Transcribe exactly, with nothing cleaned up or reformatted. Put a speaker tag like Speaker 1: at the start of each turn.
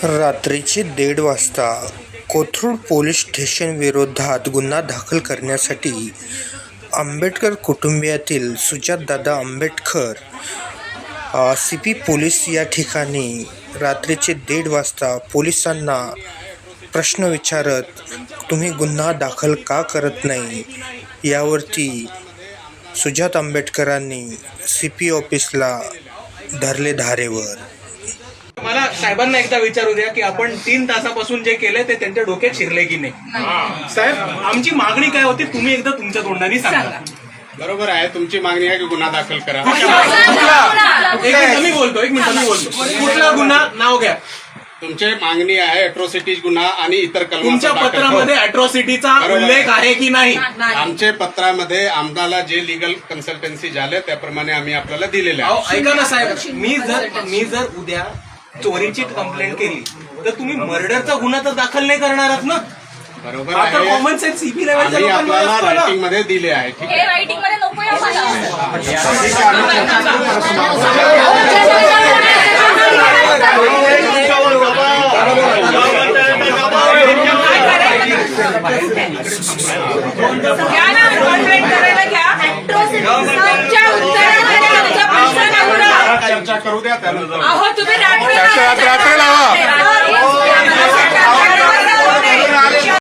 Speaker 1: रात्रीचे दीड वाजता कोथरूड पोलीस स्टेशन विरोधात गुन्हा दाखल करण्यासाठी आंबेडकर कुटुंबियातील सुजातदादा आंबेडकर सी पी पोलीस या ठिकाणी रात्रीचे दीड वाजता पोलिसांना प्रश्न विचारत तुम्ही गुन्हा दाखल का करत नाही यावरती सुजात आंबेडकरांनी सी पी ऑफिसला धरले धारेवर.
Speaker 2: मला साहेबांना एकदा विचारू द्या की आपण तीन तासापासून जे केलंय ते त्यांच्या डोक्यात शिरले की नाही. साहेब, आमची मागणी काय होती तुम्ही एकदा तुमच्या तोंडाने सांगा.
Speaker 3: बरोबर आहे, तुमची मागणी आहे की गुन्हा दाखल करा.
Speaker 2: एक मिनिट मी बोलतो एक मिनिट मी बोलतो कुठला गुन्हा नाव घ्या.
Speaker 3: तुमची मागणी आहे अॅट्रॉसिटीज गुन्हा आणि इतर कलम.
Speaker 2: तुमच्या पत्रामध्ये अॅट्रॉसिटीचा उल्लेख आहे की नाही?
Speaker 3: आमच्या पत्रामध्ये आम्हाला जे लिगल कन्सल्टन्सी झाले त्याप्रमाणे आम्ही आपल्याला दिलेले आहे.
Speaker 2: ऐका ना साहेब, मी जर मी जर उद्या चोरीची कंप्लेंट केली तर तुम्ही मर्डरचा गुन्हा तर दाखल नाही करणारच ना.
Speaker 3: बरोबर
Speaker 2: आता
Speaker 3: आहे,
Speaker 2: कॉमन सेन्स सीपी लेवलच्या
Speaker 3: आम्ही आपल्याला
Speaker 2: लोकांना
Speaker 3: रायटिंग मध्ये दिले आहे. ठीक आहे,
Speaker 4: रायटिंग मध्ये नको
Speaker 3: चर्चा करू द्या त्यानंतर.
Speaker 4: अहो तुम्ही रात्र